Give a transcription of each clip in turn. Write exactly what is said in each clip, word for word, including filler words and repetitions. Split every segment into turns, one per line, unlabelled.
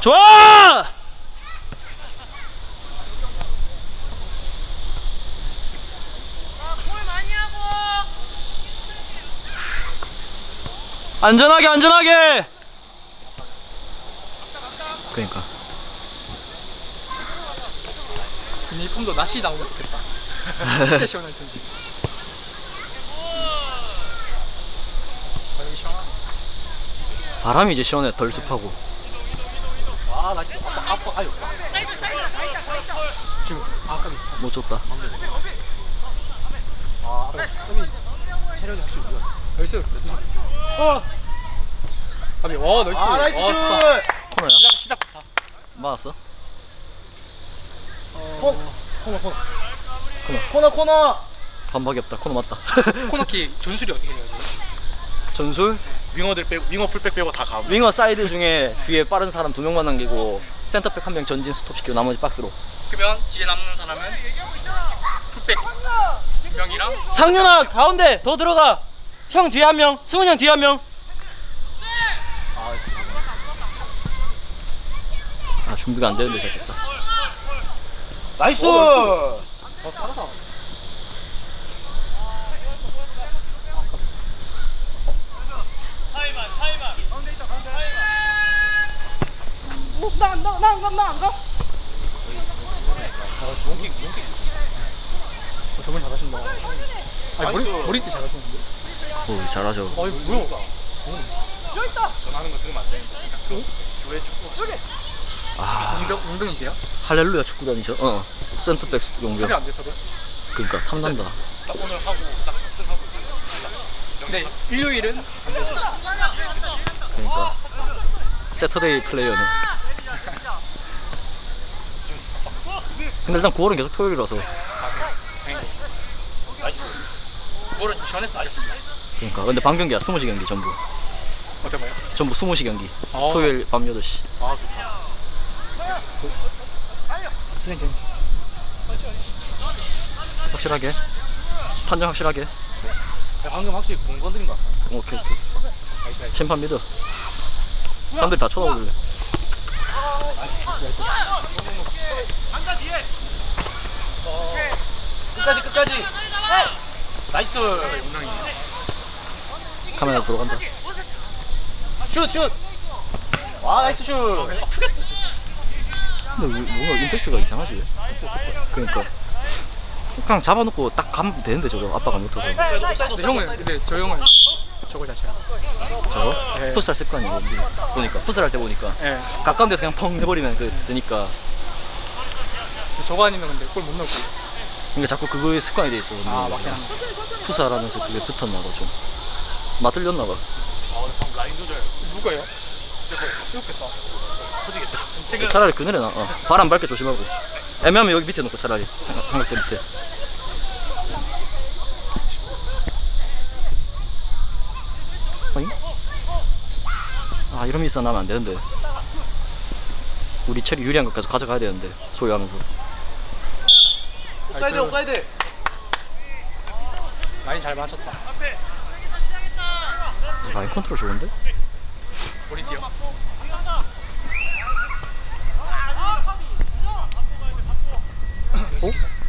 좋아! 안전하게 안전하게. 그러니까
유니폼도 낯이 나오면 좋겠다. 진짜 시원할 텐데. 바람이 시원하네.
바람이 이제 시원해. 덜 습하고.
와, 나 진짜 아빠, 아빠, 아유. 지금, 아, 까비.
못 줬다.
아, 까비. 체력이 확실히 좋아. 나이스. 어! 까비, 와, 나이스.
아 나이스 슛!
코너야?
시작, 시작부터.
맞았어?
어, 코너, 코너.
코너 코너!
반박이 없다. 코너 맞다.
코너킥 전술이 어떻게 해야 돼?
전술?
윙어들 빼고 윙어 풀백 빼고 다 가.
윙어 사이드 중에 뒤에 빠른 사람 두 명만 남기고 센터백 한 명 전진 스톱시키고 나머지 박스로.
그러면 뒤에 남는 사람은 풀백 두 명이랑
상윤아 가운데 더 들어가. 형 뒤에 한 명. 승훈이 형 뒤에 한 명. 아 준비가 안 되는데 잘했다.
나이스!
더 따라서.
나나나나안 가?
용킥, 용킥. 어, 저분 잘하신다. 아니, 머리, 머리띠 잘하시는데?
오 잘하죠.
아니, 뭐야?
전화하는 거 들으면 안 되는데 생각. 교회 축구.
아
용병, 용병이세요?
할렐루야 축구단이죠. 어 센터백 용병.
섭외 안 돼서요?
그러니까 탐난다.
딱 오늘 하고 딱 첫승하고.
근데 일요일은 안 되죠.
그러니까 세터데이 플레이어네. 근데 일단 구월은 계속 토요일이라서.
그거를 좀 시원해서 나있습니다.
그러니까 근데 반 경기야. 스무 시 경기 전부.
어떤 거요?
전부 스무 시 경기.
어.
토요일 밤 여덟 시.
아, 좋다. 진행, 진행.
확실하게 판정 확실하게.
방금 확실히 공 건드린 것 같아.
오케이 오케이. 심판 믿어. 사람들 다 쳐다보길래.
끝까지 끝까지. 나이스.
카메라 들어간다.
슛 슛. 와 나이스 슛.
근데 왜- 뭔가 임팩트가 이상하지. 그러니까 그냥 잡아놓고 딱 가면 되는데 저거 아빠가 못해서.
근데 형은, 근데 저 형은 저걸 잘 쳐요.
저거?
네.
풋살 습관이고 보니까 풋살 할 때 보니까
예.
가까운 데서 그냥 펑 해버리면 그 되니까.
저거 아니면 근데 골 못 넣고.
그러니까 자꾸 그거에 습관이 돼 있어.
아, 맞긴 한데.
풋살 하면서 그게 붙었나봐 좀. 맞들렸나봐.
아 방금 라인 조절.
누가요?
이렇겠다. 터지겠다.
차라리 그늘에 놔. 어. 바람 밝게 조심하고. 애매하면 여기 밑에 놓고 차라리 삼각- 삼각대 밑에. 어잉? 아 이런 미스 나면 안 되는데. 우리 체리 유리한 것까지 가져가야 되는데 소유하면서.
옵사이드 옵사이드.
라인 잘 맞췄다.
라인 컨트롤 좋은데?
머리 뛰어.
어?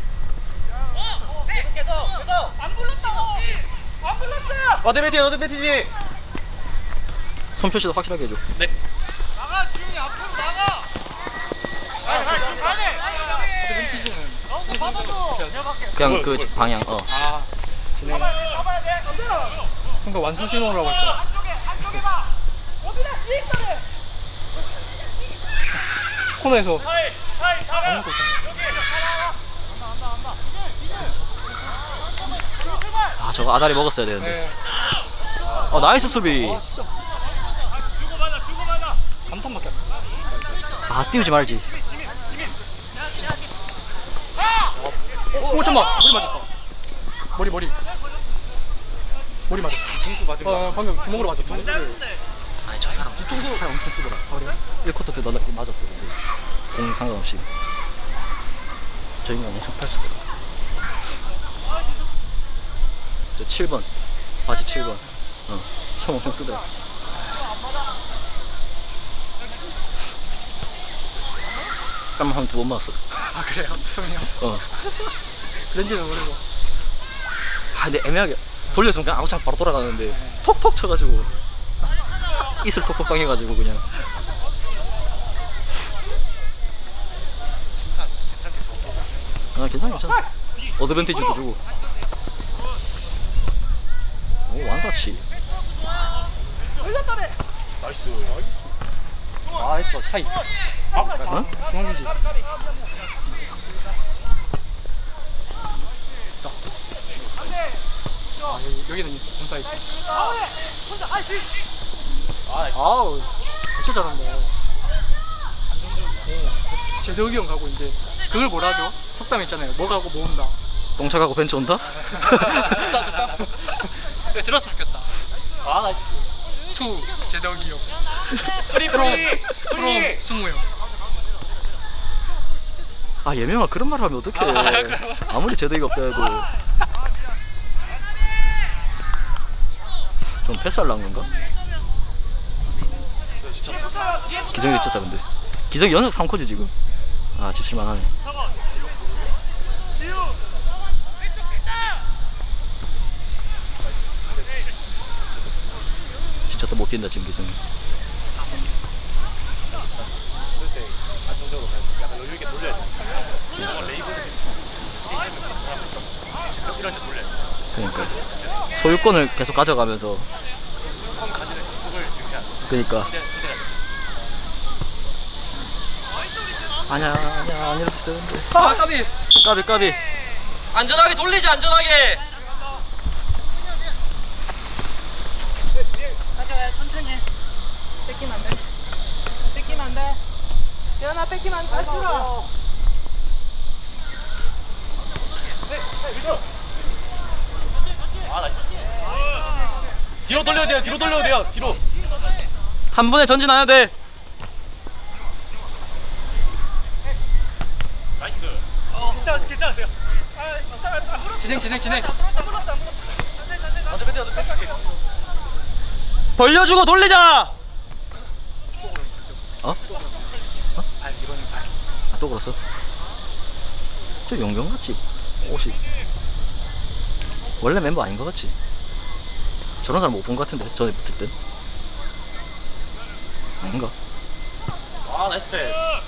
어드 배티 어드 배티지.
손 표시도 확실하게 해줘.
네.
나가 지훈이 앞으로 나가. 빨리 빨리 지금 가야 돼.
앞에 눈피즈는.
그냥 그 방향. 어.
아, 진행.
잡아야 돼.
그러니까 완수 신호라고 할 거야.
안쪽에 안쪽에 봐. 어디다 뒤에 있다래.
코너에서.
사이 사이 잡아.
아무것도 없잖아.
아 저거 아다리 먹었어야 되는데.
네.
어 나이스 수비.
아, 진짜.
주고받아 주고받아.
감탄밖에 안 나.
아 띄우지 말지.
오, 잠깐만. 머리 맞았다. 머리, 머리. 머리 맞았어.
뒤통수 맞은
어, 방금 주먹으로 맞았어.
아니 저 사람 뒤통수 팔 엄청 쓰더라. 일 쿼터 때 너나 맞았어. 근데 공 상관없이. 저 인간 엄청 팔 쓰더라. 저 칠 번 바지 칠 번. 어, 손 엄청 쓰더라. 땀 한 두 번 맞았어.
아 그래요? 형이요?
어.
렌즈는 모르고.
아 근데 애매하게 돌렸으면 그냥 아구창 바로 돌아가는데 톡톡 쳐가지고 이슬 톡톡 당해가지고 그냥. 아 괜찮아 괜찮아. 어드밴티지도 주고. 오 완다치.
나이스.
아 했어 차이. 아
어?
중앙주지. 아 여기, 여기는 있어. 공사 있어. 아우 진짜 잘한다. 오, 제덕이 형 가고 이제 그걸 뭐라 하죠? 속담 있잖아요. 뭐 가고 모은다.
똥차 가고 벤츠 온다?
좋다 좋다. 네, 들었으면 좋겠다.
아 나이스.
투 제덕이 형.
프리
프롬
프리
프롬
프리.
승우 형.
아 예명아 그런 말 하면 어떡해. 아무리 제도가 없다 해도 좀 패스하려는 건가? 기성이 진짜 근데 기성이 연속 삼 컷이 지금. 아 지칠만하네. 진짜 또 못 뛴다 지금 기성이.
그럴 때 안정적으로 가야 돼. 약간 여유 있게 돌려야 돼. 저거 레이블 이런 데 돌려야 돼.
그러니까 소유권을 계속 가져가면서.
컴 가지는 연습을 지금 해야 돼.
그러니까
근데 상대가 진짜
아니야 아니야 안 이래도 되는데.
아 까비.
까비 까비.
안전하게 돌리지 안전하게.
가져가요 천천히 해. 뺏기면 안돼 뺏기면 안돼 재현아 뺏기면 안돼 다시 들어
아 나이스. 뒤로 돌려야 돼요. 뒤로 돌려야 돼요. 뒤로.
한 번에 전진해야 돼.
나이스. 괜찮으세요. 괜찮으세요.
진행 진행 진행.
어떻게 어떻게 어떻게.
벌려주고 돌리자.
어?
발 이번엔 발.
아, 또 걸었어? 저 용병같이 옷이 원래 멤버 아닌 것 같지? 저런 사람 못 본 것 같은데 전에 붙을 땐 아닌가?
아 나이스 패스.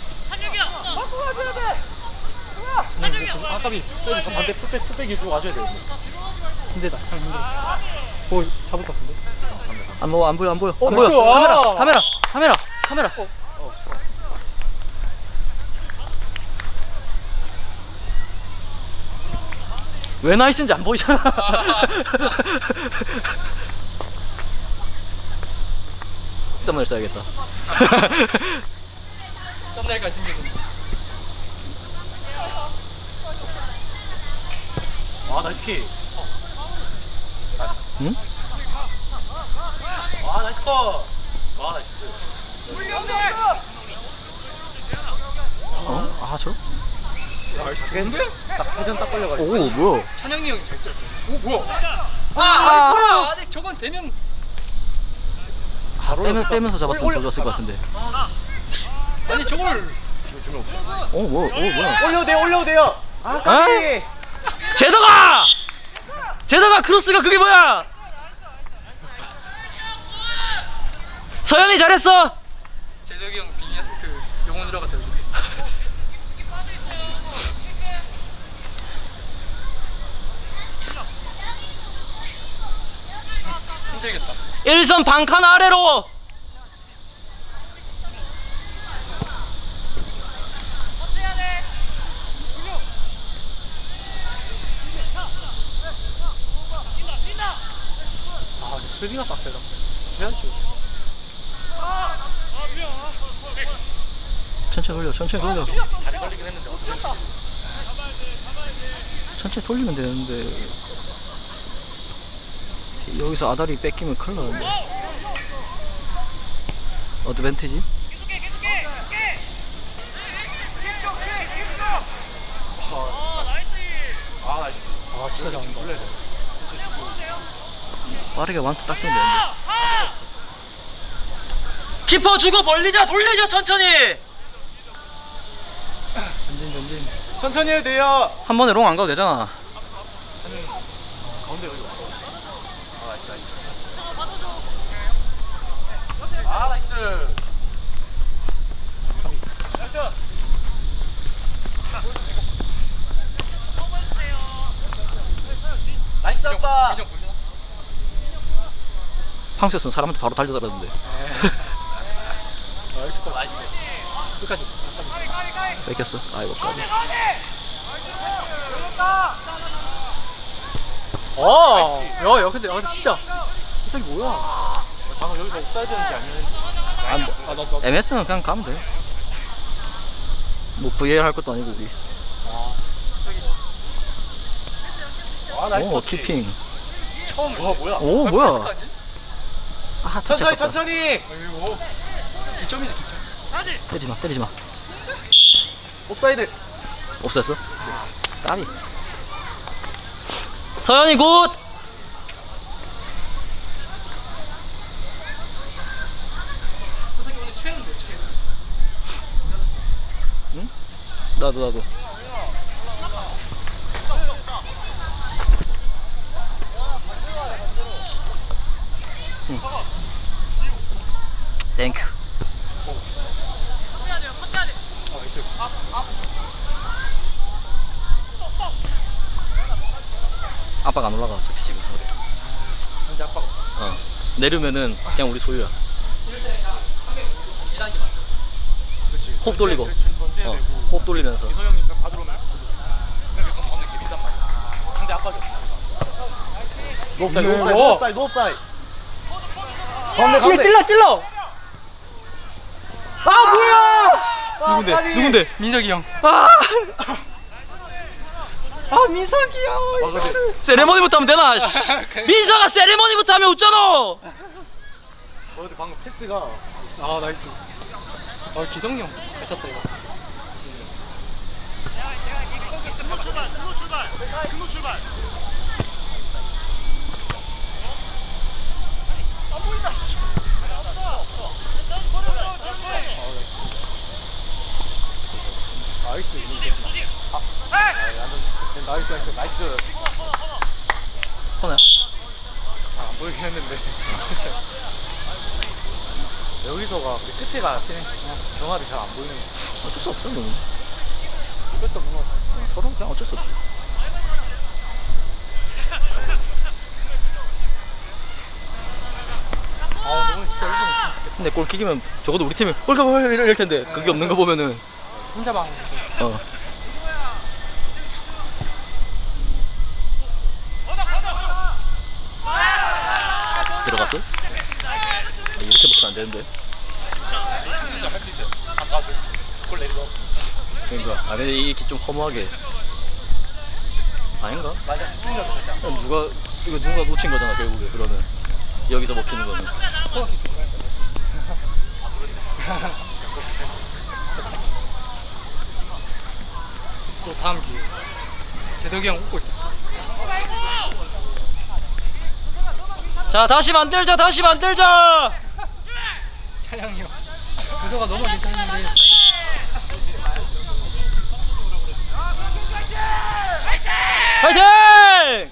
아 까비.
저 반대 풀백 풀백 위주로 와줘야 돼요.
힘들다. 형 힘들어. 오 잡을 것 같은데.
안 보여 안 보여 안 보여 안
나이스.
보여. 카메라
아.
카메라 카메라 카메라. 왜 나이스인지 안 보이잖아. 썸네일 써야겠다.
썸네일까지 생겼는데.
아 나이스 킥.
응?
아 나이스 컷. 아 나이스.
어? 아 저?
나이스 좋은데? 딱 회전 딱 걸려가지고.
오 뭐야?
찬영이 형이 잘 쳤어. 오 뭐야? 아,
아.
아 뭐야? 아직 저건 되면.
아, 빼면, 빼면서 잡았으면 더 좋았을 것 같은데.
아니 저걸.
오 뭐? 오 뭐야?
올려도 돼요. 올려도 돼요. 아 까비.
제더가. 제더가 크로스가 그게 뭐야? 서현이 잘했어.
제덕이 형 빙의 그 영혼 들어갔다 여기. 힘들겠다.
일선 반칸 아래로.
아 수비가 빡세다. 해야지.
천천히 돌려 천천히 돌려.
다리 걸리긴 했는데 어떻게.
천천히 돌리면 되는데 여기서 아다리 뺏기면 큰일 나는데. 어드밴티지?
아 나이스.
아 진짜 잘한다.
빠르게 완투 딱 주면 되는데.
키퍼 주고 벌리자 돌리자 천천히.
천천히 해도 돼요.
한 번에 롱 안 가도 되잖아.
가운데 여기 없어. 아 나이스 나이스. 아 나이스. 나이스 아빠.
황수였으면 사람한테 바로 달려들었는데.
나이스 컷. 나이스. 끝까지.
뺏겼어. 아이고 까비.
어. 야, 야, 근데, 야, 근데 진짜. 이석이 뭐야?
방금 여기서 옵사이드인지 아니면
안 돼.
아, 나, 나.
엠에스는 그냥 가면 돼. 뭐 브이알 할 것도 아니고 우리.
아 나이스
오
터치.
키핑.
처음. 와 뭐야?
오 뭐야?
패스까지?
아 터치
천천히
아깝다.
천천히.
아이고. 기점이지, 기점.
때리지 마 때리지 마.
옵사이드.
없었어? 까비.
서현이 굿.
이석이 오늘 최는데, 최.
나도 나도. 응. 땡큐.
아, 나이스.
아빠가 안 올라가 어차피 지금 서울에.
현재 아빠가.
어. 내려면은 그냥 우리 소유야.
그렇지.
호흡 돌리고.
전제해야
어.
되고.
호흡 돌리면서.
이서영이 그냥 받으러 오면 그냥 그럼 가운데 개빈단 말이야. 상대 압박이 없어.
노업사이드,
노
노업사이드.
옵사이드 노옵사이드. 가운데
찔러,
가운데.
찔러, 찔러! 아, 뭐야!
누군데?
까비.
누군데?
민석이 형.
아!
아, 민석이 형.
아 근데
세레머니부터 하면 되나? 씨. 민서가 세레머니부터 하면 웃잖아.
어, 근데 방금 패스가
아, 나이스. 아, 기성이 형. 잘 쳤다, 이거.
나이스. 아, 아, 나이스 나이스 나이스.
코너.
아, 안 보이긴 했는데. 여기서가 우리 끝에가 그냥 경합이 잘 안 보이는 거.
어쩔 수 없어 너는.
이것도 뭔가
서로 그냥 어쩔 수 없어.
아, 오늘 진짜 이기면
근데 골킥이면 적어도 우리 팀이 골가 이럴 텐데 그게 없는 거 보면은
혼자 방.
어. 들어갔어? 아, 이렇게 먹으면 안 되는데.
진짜 할 수 있어요. 아까 그골 내리고.
그러니까 아 근데 이게 좀 허무하게 아닌가?
맞아 집중력이 절대 안 돼.
그럼 누가 이거 누가 놓친 거잖아 결국에. 그러면 여기서 먹히는 거는.
코너킥 들어갈 거야. 또 다음 기회. 제덕이 형 웃고 있어.
자 다시 만들자 다시 만들자.
찬양이 형. 그거가 너무 괜찮은데.
파이팅!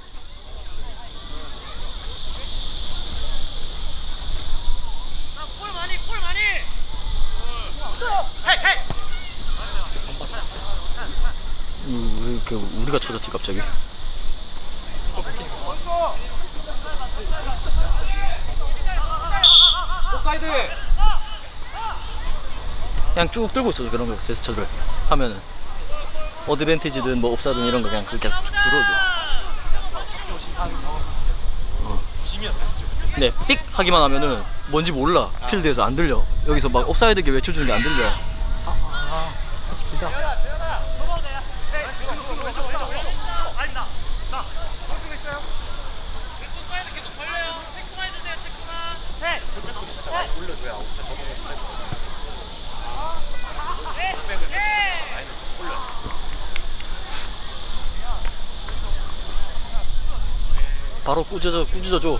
음, 왜 이렇게 우리가 쳐졌지 갑자기?
옵사이드.
그냥 쭉 들고 있어줘 그런 거 제스처를 하면은 어드밴티지든 뭐 옵사든 이런 거 그냥 그렇게 쭉 들어줘.
부심이었어요 진짜.
근데 삑 하기만 하면은 뭔지 몰라. 필드에서 안 들려. 여기서 막 옵사이드게 외쳐주는 게 안 들려.
올려줘야 옵사이드. 저거 옵사이드.
바로 꾸짖어 꾸짖어 줘.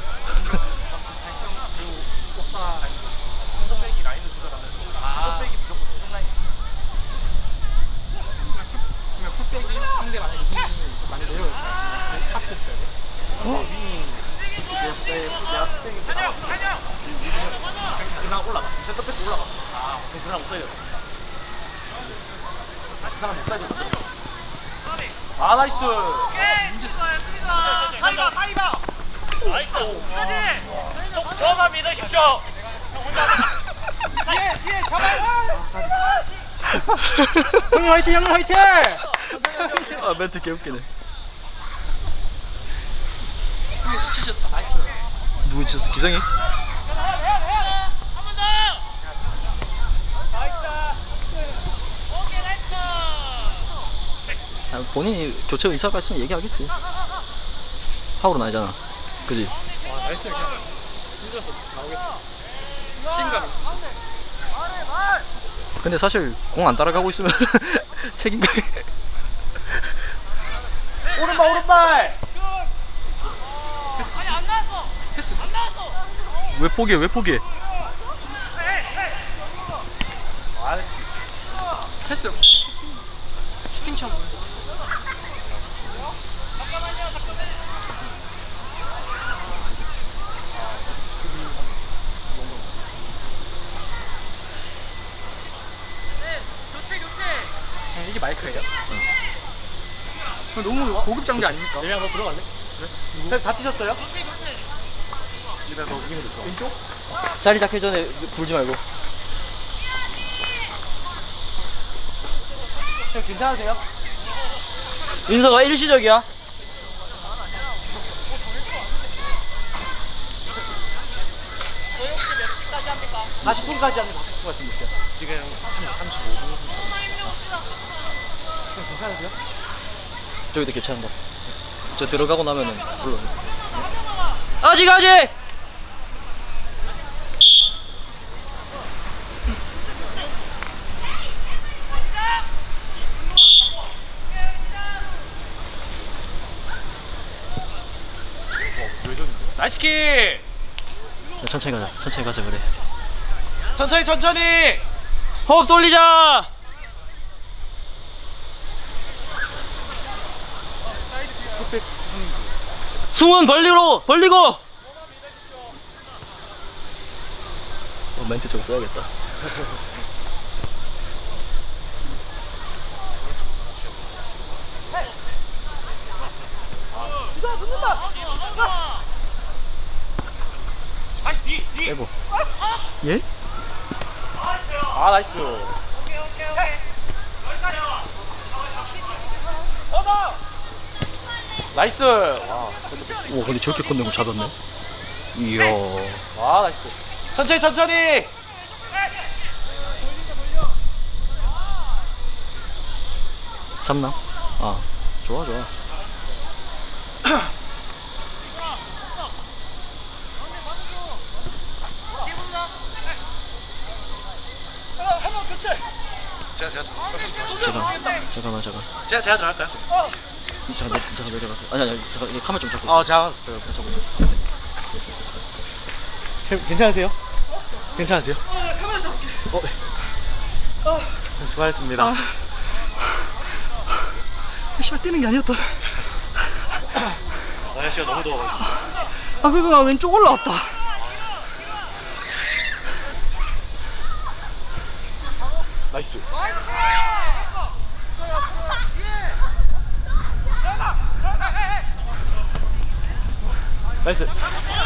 센터백이 라인을 조절하면서 센터백이 무조건 최종 라인 있어요. 그냥 올라가. 센터백 올라가. 아, 그 사람 못 살려. 그 사람 못 살려. 아, 나이스.
가위바 가위바 나이스 저만 믿으십시오 뒤에 뒤에 잡아요
형님 화이팅 형님 화이팅.
아 멘트 개웃기네. 누구 지쳤어? 기성이? 아, 본인이 교체 의사가 있으면 얘기하겠지. 파울은 아니잖아. 그지?
와 나이스 그냥 힘들어서 나오겠다. 책임감이 있어.
근데 사실 공 안 따라가고 있으면 책임감이.
오른발, 오른발.
패스.
왜 포기해? 왜 포기해?
패스. 슈팅 참. 형, 이게 마이크예요? 응. 너무 고급 장비 아닙니까?
내가 너 들어갈래? 그래? 다치셨어요? 내가 너 이기면 좋아. 왼쪽?
자리 잡기 전에 굴지 말고.
형 괜찮으세요?
윤서가 일시적이야.
사십 분까지 하면 사십 분 같은 느낌. 지금 삼십오 분. 형 괜찮으세요?
저기도 괜찮은데. 저 들어가고 나면은 불러. 아직 아직.
나이스 킥!
천천히 가자. 천천히 가자 그래.
천천히 천천히!
호흡 돌리자 승훈 벌리고 벌리고
어, 멘트 좀 써야겠다. 빼보. 예?
아 나이스. 나이스. 와,
오 근데 저렇게 컸는 거 잡았네. 이야.
와 나이스. 천천히 천천히.
잡나? 아 좋아 좋아.
제가 제가
잠깐 잠깐만 잠깐.
제가 제가 들어갈까요?
잠깐 내, 잠깐 내려가. 아니 아니 잠깐 이 카메라 좀 잡고.
어 제가
있어. 잡고.
형, 괜찮으세요? 괜찮으세요? 어, 수고하셨습니다.
아, 씨발 뛰는 게 아니었다.
날씨가 너무 더워가지고.
아 그래도 나 왼쪽 올라왔다.
나이스. 나이스.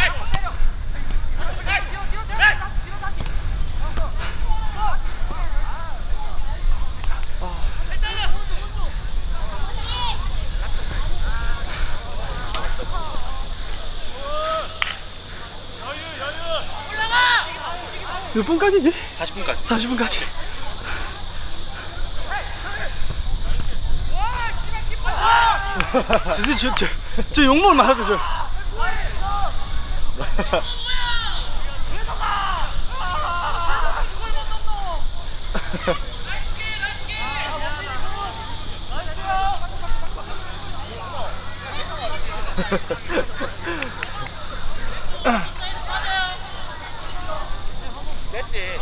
몇 분까지지?
사십 분까지.
사십 분까지. 진짜 저, 저, 저 욕먹을 만하다 저.
됐지.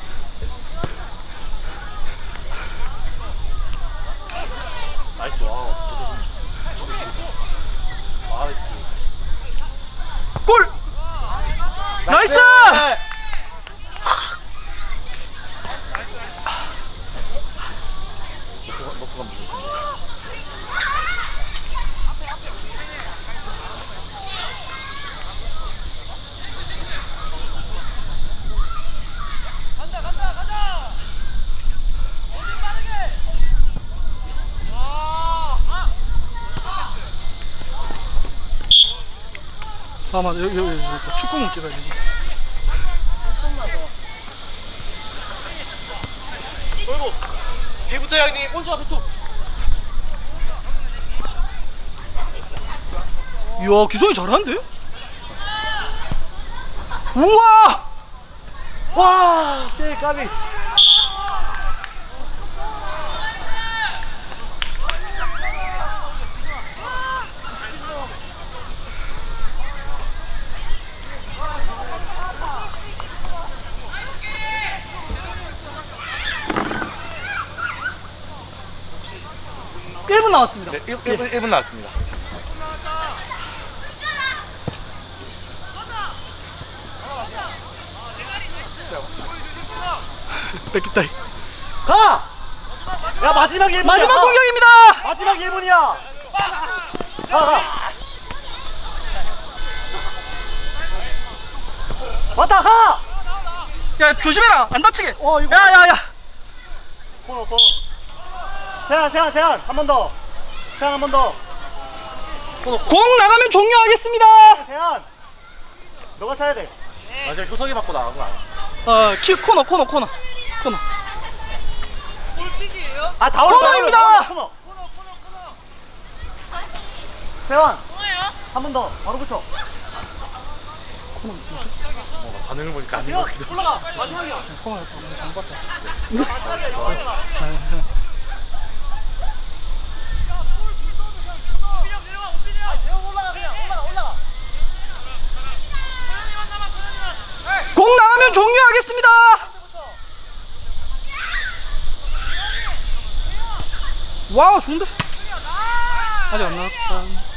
나이스. 와.
골! 나이스! 아 맞아 여기 여기, 여기 축구공 찍어야 되지.
어이구 뒤부터 형님 온수 앞에 툭.
이야 기성이 잘하는데? 우와!
와 씨, 까비.
일 분 남았습니다.
네, 일 분, 일 분 나왔습니다.
뺏겼다.
가! 야 마지막 일 분이야.
마지막
가.
공격입니다.
마지막 일 분이야. 가, 가. 왔다 가.
야 조심해라 안 다치게.
어 이거.
야야야.
코너 코너. 세안 세안 세안 한 번 더. 세안 한 번 더.
공 나가면 종료하겠습니다.
세안. 너가 차야 돼. 맞아 효석이 받고 나간 거 아니야?
어, 키 코너 코너 코너 코너.
아 다 올라.
코너입니다.
코너. 세안. 한 번 더. 바로 붙여. 어, 반응을 보니까 아닌 것 같기도 하고. 올라가. 마지막이야.
코너 잘 봤다. 공 나가면 종료하겠습니다. 와우 좋은데? 아직 안 나왔다.